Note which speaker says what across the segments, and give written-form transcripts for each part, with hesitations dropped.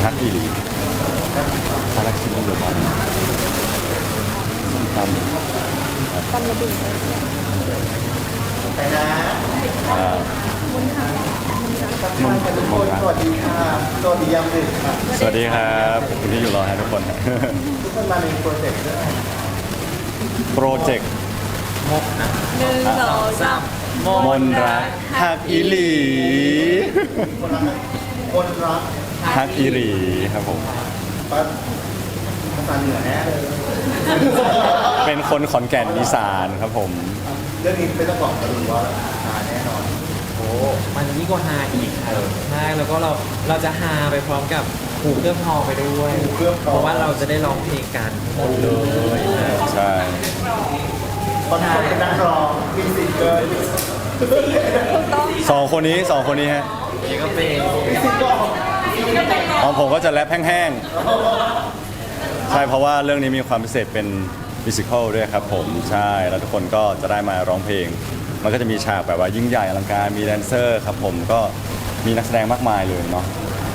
Speaker 1: ฮักอีหลีคาราคิมหรือว่าตำ
Speaker 2: ตำระเบิด
Speaker 3: ไปนะ
Speaker 2: มุนค่ะ
Speaker 3: ทักทายกันทุกคนสวัสดีค่ะสวัสดียามดึกค่ะ
Speaker 1: สวัสดีครับขอบคุณที่อยู่รอฮะทุกคน
Speaker 3: ทุกคนมาในโปรเจกต์ด้วย
Speaker 1: โปรเจกต์
Speaker 2: 1 2 3
Speaker 1: มนรักฮักอีหลี
Speaker 3: คนรัก
Speaker 1: ฮักอีหลีครับผม
Speaker 3: ปั๊บภาษาเหนือแน่เลย
Speaker 1: เป็นคนขอนแก่นอีสานครับผม
Speaker 3: เรื่องนี้ไม่ต้องบอกกันว่าหาแน่นอน
Speaker 4: โอ้มันยิ่งกว่าฮาอีกครับใช่แล้วก็เราจะฮาไปพร้อมกับหูเครื่องทองไปด้วย
Speaker 3: หูเครื่องทอง
Speaker 4: เพราะว่าเราจะได้ร้องเพลงกันหมดเลยนะ
Speaker 1: ใช่
Speaker 3: ตอนคนเป็นนักร้องมีซิงเกิล
Speaker 2: ถูกต้อง
Speaker 1: สองคนนี้ฮะ
Speaker 4: นี่ก็เป็น
Speaker 3: มีซิงเกิล
Speaker 1: ของผมก็จะแรปแห้งๆใช่เพราะว่าเรื่องนี้มีความพิเศษเป็นมิวสิควลด้วยครับผมใช่แล้วทุกคนก็จะได้มาร้องเพลง มันก็จะมีฉากแบบว่ายิ่งใหญ่อลังการมีแดนเซอร์ครับผมก็มีนักแสดงมากมายเลยเนาะ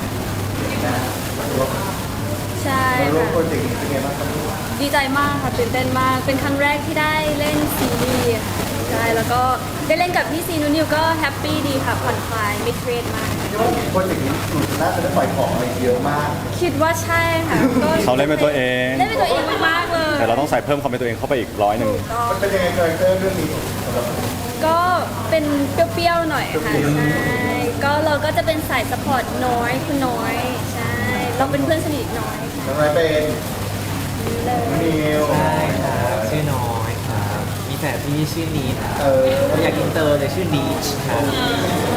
Speaker 2: ใช่
Speaker 3: มาร่วม
Speaker 2: ค่ะ
Speaker 3: โปรเจกต์นี้เป็นไงบ้างครับ
Speaker 2: ดีใจมากค่ะตื่นเต้นมากเป็นครั้งแรกที่ได้เล่นซีรีส์ค่ะใช่แล้วก็ได้เล่นกับพี่ซีนูนิวก็แฮปปี้ดีค่ะผ่อนคลายไม่เครียดมาก
Speaker 3: คิดว่าโปรเจกต์นี้หนูน่าจะได้ปล่อยของอะไรเยอะมาก
Speaker 2: คิดว่าใช่ค่ะก็
Speaker 1: เขาเล่นเป็นตัวเอง
Speaker 2: เล่นเป็นตัวเองมากๆเลย
Speaker 1: แต่เราต้องใส่เพิ่มความเป็นตัวเองเข้าไปอีก100
Speaker 2: ก็
Speaker 3: มันเป็นยังไงคาแรคเตอร์เรื่องนี้สำหรับ
Speaker 2: ก็เป็นเปรี้ยวๆหน่อยค่ะใช่ก็เราก็จะเป็นสายสปอร์ตน้อยคุณน้อยใช่เราเป็นเพื่อนสนิทน้อยค่ะ
Speaker 3: น้องไรเป็น
Speaker 2: เลย
Speaker 3: นิว
Speaker 4: ใช่ครับชื่อน้อยครับมีแฝดพี่ชื่อนีท
Speaker 3: เออ
Speaker 4: เราอยากอินเตอร์เลยชื่อนีชครับ
Speaker 1: ใช่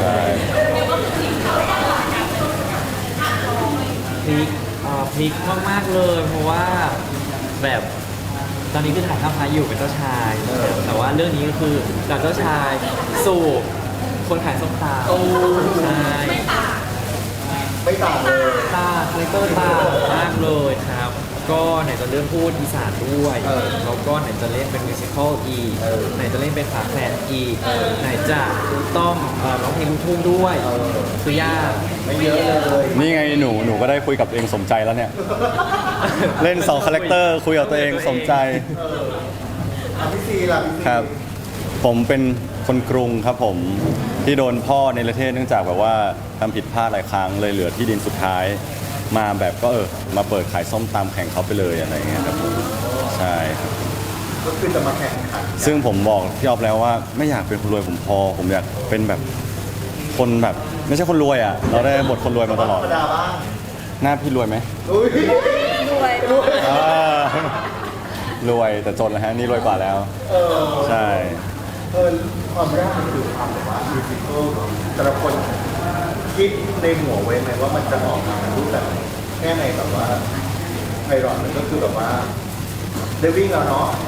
Speaker 4: พลิกมากๆเลยเพราะว่าแบบตอนนี้คือถ่ายข้ามพาอยู่เป็นเจ้าชายแต่ว่าเรื่องนี้ก็คือจากเจ้าชายสู่คนขายส้มตำใช่
Speaker 3: ไม่ต่างเลย
Speaker 4: ตาคาแรคเตอร์ตามากเลยครับ ก็ไหนจะเรื่องพูดอีสานด้วยแล้วก็ไหนจะเล่นเป็นมิวสิควลอีกไหนจะเล่นเป็นฝาแฝดอีกไหนจะต้องร้องเพลงลูกทุ่งด้วยคือยาก
Speaker 3: ไม่เยอะเลย
Speaker 1: นี่ไงหนูก็ได้คุยกับตัวเองสมใจแล้วเนี่ย เล่น2คาแรคเตอร์คุยกับตัวเองสมใจ
Speaker 3: พี่ซีล่ะพี่ซี
Speaker 1: ครับ ผมเป็นคนกรุงครับผมที่โดนพ่อในประเทศเนื่องจากแบบว่าทำผิดพลาดหลายครั้งเลยเหลือที่ดินสุดท้าย มาแบบก็มาเปิดขายส้มตำแข่งเขาไปเลยอะไรเงี้ยครับผมใช่ครับ
Speaker 3: ก็คือจะมาแข่งขัน
Speaker 1: ซึ่งผมบอกพี่ออฟแล้วว่าไม่อยากเป็นคนรวยผมพอ ผมอยากเป็นแบบคนแบบไม่ใช่คนรวยอ่ะ เราได้บทคนรวยมาตลอด
Speaker 3: ธรรมดาบ้าง
Speaker 1: หน้าพี่รวยไหม
Speaker 3: อุ้ย
Speaker 2: รวย
Speaker 1: อ่ารวยแต่จนแล้วฮะนี่รวยกว่าแล้ว
Speaker 3: เออ
Speaker 1: ใช่
Speaker 3: ความยากมันคือความแบบว่ามิวสิควลแต่ละคนคิดในหัวไว้ไหมว่ามันจะออกมาเป็นรูปแบบไหนแค่ในแบบว่าไพเราะมันก็คือแบบว่าเดวิ่งแล้วเนาะ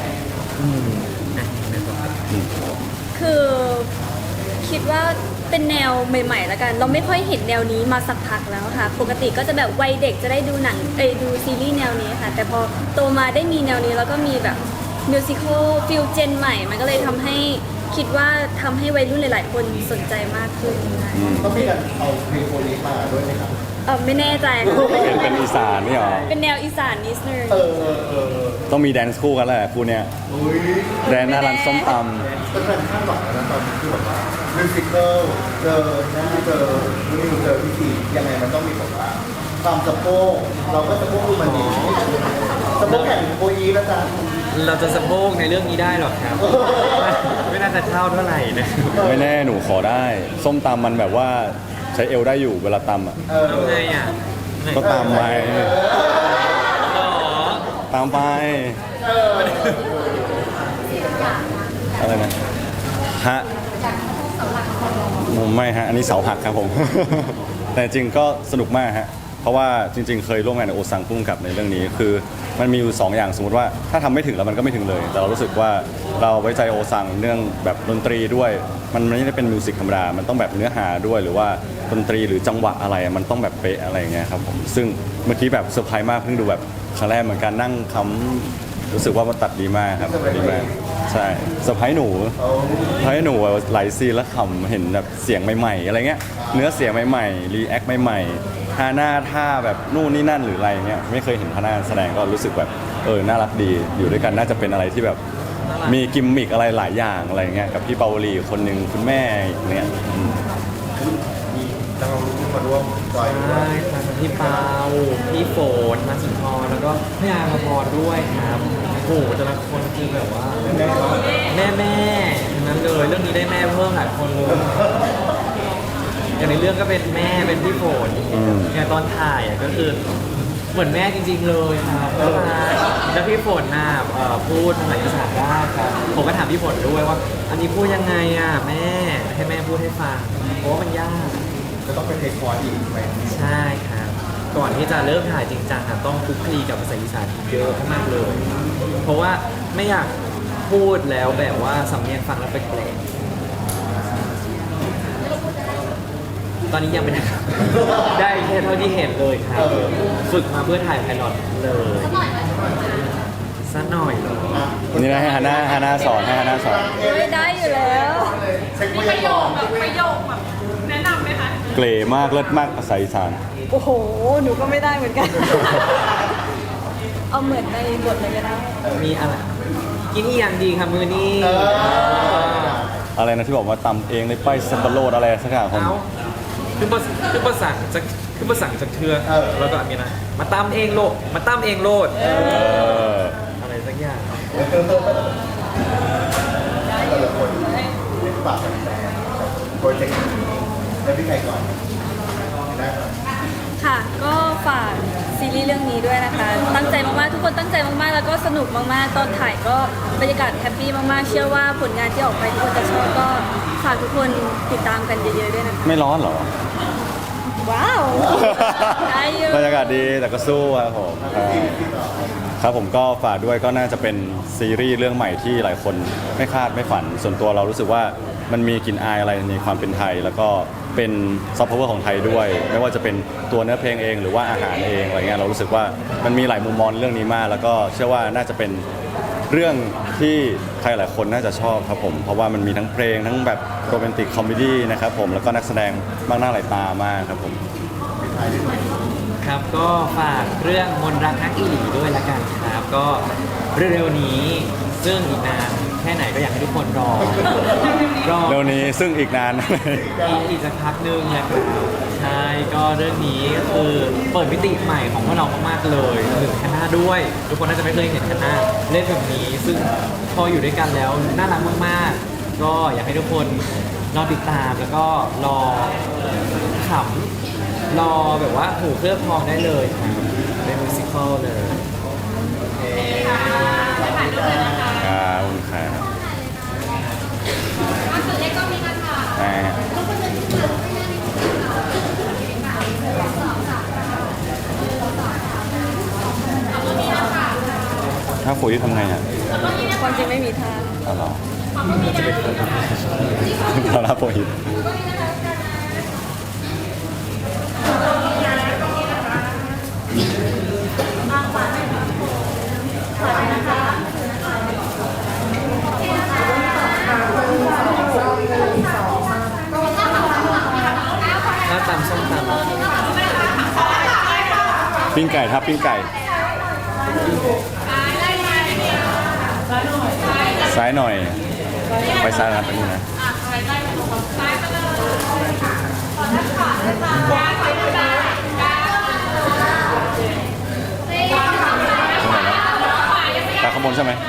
Speaker 2: คือคิดว่าเป็นแนวใหม่ๆแล้วกัน เราไม่ค่อยเห็นแนวนี้มาสักพักแล้วค่ะ ปกติก็จะแบบวัยเด็กจะได้ดูหนังดูซีรีส์แนวนี้ค่ะ แต่พอโตมาได้มีแนวนี้แล้วก็มีแบบมิวสิควลฟิลเจนใหม่ มันก็เลยทำให้คิดว่าทำให้วัยรุ่นหลายๆ คนสนใจมากขึ้นค่ะ
Speaker 3: ต้องมีการเอาเพลงโคลีมาด้วยไหมครับ
Speaker 2: ไม่แน่ใจค่ะ
Speaker 1: เป็นอีสานนี่หรอ
Speaker 2: เป็นแนวอีสานนิดนึง
Speaker 3: เออ
Speaker 1: ต้องมีแดนซ์คู่กันแหละคู่เนี้ย
Speaker 3: อุ้ย
Speaker 1: แดนหน้าร้านส้มต
Speaker 3: เป็นแฟนคาดหวังแล้วนะตอนนี้คือแบบว่ามิวสิควลเจอหน้าเจอนิวเจอพี่ซียังไงมันต้องมีแบบว่าความสะโพกเราก็สะโพกดูมันดีสะโพกแข่งโคอีแล้วจ้ะ
Speaker 4: เราจะสะโพกในเรื่องนี้ได้หรอครับ ไม่น่าจะเข้าเท่าไหร่นะ
Speaker 1: ำไม่แน่หนูขอได้ ส้มตำมันแบบว่าใช้เอวได้อยู่เวลาตำอ่ะ
Speaker 3: เออ
Speaker 4: ทำไงอ่ะ
Speaker 1: ก็ตามไป
Speaker 4: อ๋อ
Speaker 1: ตามไปอะไรนะฮะไม่ฮะอันนี้เสาหักครับผม แต่จริงก็สนุกมากฮะเพราะว่าจริง ๆ เคยร่วมงานกับโอซังพุ่งกับในเรื่องนี้คือมันมีอยู่2อย่างสมมติว่าถ้าทำไม่ถึงแล้วมันก็ไม่ถึงเลย แต่เรารู้สึกว่าเราไว้ใจโอซังเรื่องแบบดนตรีด้วย มันไม่ได้เป็นมิวสิกธรรมดามันต้องแบบเนื้อหาด้วยหรือว่าดนตรีหรือจังหวะอะไรมันต้องแบบเป๊ะอะไรอย่างเงี้ยครับผมซึ่งเมื่อกี้แบบเซอร์ไพรส์มากเพิ่งดูแบบครั้งแรกเหมือนกันนั่งครู้สึกว่ามันตัดดีมากครับดีมากใช่เซอร์ไพรส์หนูเซอร์ไพรส์หนูหลายซีนแล้วขำเห็นแบบเสียงใหม่ๆอะไรเงี้ยเนื้อเสียงใหม่ๆรีแอคใหม่ๆท่าหน้าท่าแบบนู่นนี่นั่นหรืออะไรเงี้ยไม่เคยเห็นท่าหน้าแสดงก็รู้สึกแบบน่ารักดีอยู่ด้วยกันน่าจะเป็นอะไรที่แบบมีกิมมิกอะไรหลายอย่างอะไรเงี้ยกับพี่เปาวลีคนหนึ่งคุณแม่อีกเนี่ย
Speaker 3: มีนักร้องลูกทุ่งมาร่วมจอยด้ว
Speaker 4: ใช่
Speaker 3: ย
Speaker 4: ครับพี่เปาพี่ฝนมาสุนทรแล้วก็พี่อาภพรด้วยครับโอ้โหแต่ละคนคือแบบว่าแม่ทั้งนั้นเลยเรื่องนี้ได้แม่เพิ่มหลายคนเลยอย่างในเรื่องก็เป็นแม่เป็นพี่ฝนอย่างตอนถ่ายก็คือเหมือนแม่จริงๆเลยครับแล้วพี่ฝนน่ะพูดภาษาอีสานได้ครับผมก็ถามพี่ฝนด้วยว่า อันนี้พูดยังไงอ่ะแม่ให้แม่พูดให้ฟังเพราะว่ามันยาก
Speaker 3: จะต้องไปเทคคอร์สอีกไหม
Speaker 4: ใช่ครับ ก่อนที่จะเริ่มถ่ายจริงจังอะต้องคลุกคลีกับภาษาอีสานเยอะมากเลย เพราะว่าไม่อยากพูดแล้วแบบว่าสำเนียงฟังแล้วแปลกๆตอนนี้ยังไม่ได้ครับได้แค่เท่าที่เห็นเลยครับ ฝึกมาเพื่อถ่ายไพลอตเลยสักหน่อยเลย
Speaker 1: นี่นะให้ฮาน่าสอนให้ฮาน่าสอน
Speaker 2: ไม่ได้อยู่แล้ว
Speaker 3: เช็คพยากรณ์
Speaker 5: ประโยคแบบแนะนำไหมคะ
Speaker 1: เกรมากเลิศมากภาษาอีสาน
Speaker 2: โอ้โห หนูก็ไม่ได้เหมือนกัน เอาเหมือนในบทเลยก็ได้
Speaker 4: มีอะไรกินอีอย่างดีครับมือนี้
Speaker 1: อะไรนะที่บอกว่าตำเองในป้ายสับปะรดอะไรสักอย่างผม
Speaker 4: เอาคือภาษาจากเทือแล้วก็มีนะมาตำเองโลดมาตำเองโลด อะไรสักอย่าง
Speaker 3: แต่ละคนฝากแฟนโปรเจกต์นี้แล้วพี่ไก่ก่อนได้ก่อน
Speaker 2: ค่ะ ก็ฝากซีรีส์เรื่องนี้ด้วยนะคะ ตั้งใจมากๆ ทุกคนตั้งใจมากๆ แล้วก็สนุกมากๆ ตอนถ่ายก็บรรยากาศแฮปปี้มากๆ เชื่อว่าผลงานที่ออกไปทุกคนจะชอบก็ฝากทุกคนติดตามกันเยอะๆ ด้วยนะคะ
Speaker 1: ไม่ร้อนเหรอ
Speaker 2: ว้าว ได้อยู่
Speaker 1: บรรยากาศดีแต่ก็สู้ครับผมครับผมก็ฝากด้วยก็น่าจะเป็นซีรีส์เรื่องใหม่ที่หลายคนไม่คาดไม่ฝัน ส่วนตัวเรารู้สึกว่ามันมีกลิ่นอายอะไรในความเป็นไทย แล้วก็เป็นซอฟต์พาวเวอร์ของไทยด้วย ไม่ว่าจะเป็นตัวเนื้อเพลงเองหรือว่าอาหารเองอะไรเงี้ยเรารู้สึกว่ามันมีหลายมุมมองเรื่องนี้มาก แล้วก็เชื่อว่าน่าจะเป็นเรื่องที่ใครหลายคนน่าจะชอบครับผมเพราะว่ามันมีทั้งเพลงทั้งแบบโรแมนติกคอมเมดี้นะครับผมแล้วก็นักแสดงมากหน้าหลายตามากครับผม
Speaker 4: ครับก็ฝากเรื่องมนต์รักนักอีหลีด้วยละกันครับ ก็เร็วๆนี้ซึ่งอีกนานแค่ไหนก็อยากให้ทุกคนรอ
Speaker 1: เร็วนี้ซึ่งอีกนาน
Speaker 4: อีกสักพักนึงนะครับใช่ก็เรื่องนี้คือเปิดมิติใหม่ของพวกเรามากๆเลยถึงคณะด้วย ทุกคนน่าจะไม่เคยเห็นคณะเล่นแบบนี้ ซึ่งพออยู่ด้วยกันแล้วน่ารักมากๆ ก็อยากให้ทุกคนรอติดตามแล้วก็รอขำรอแบบว่าหูเคลือบทองได้เลยครับเป็นมิวสิควลเลยโอเค
Speaker 1: ครับขอบคุณครับถ้าคุยทำไงอ่ะ
Speaker 2: ความจริงไม่มีทาง
Speaker 1: เอาเหรอเรารับโปรหิต
Speaker 4: ถ้าตำส้มตำ
Speaker 1: ปิ้งไก่ครับปิ้งไก่ซ้ายหน่อย ไปซ้ายนะไปนี่นะตาขางบวนใช่ไหม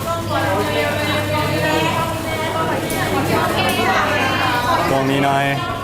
Speaker 1: ตรงนี้หน่อย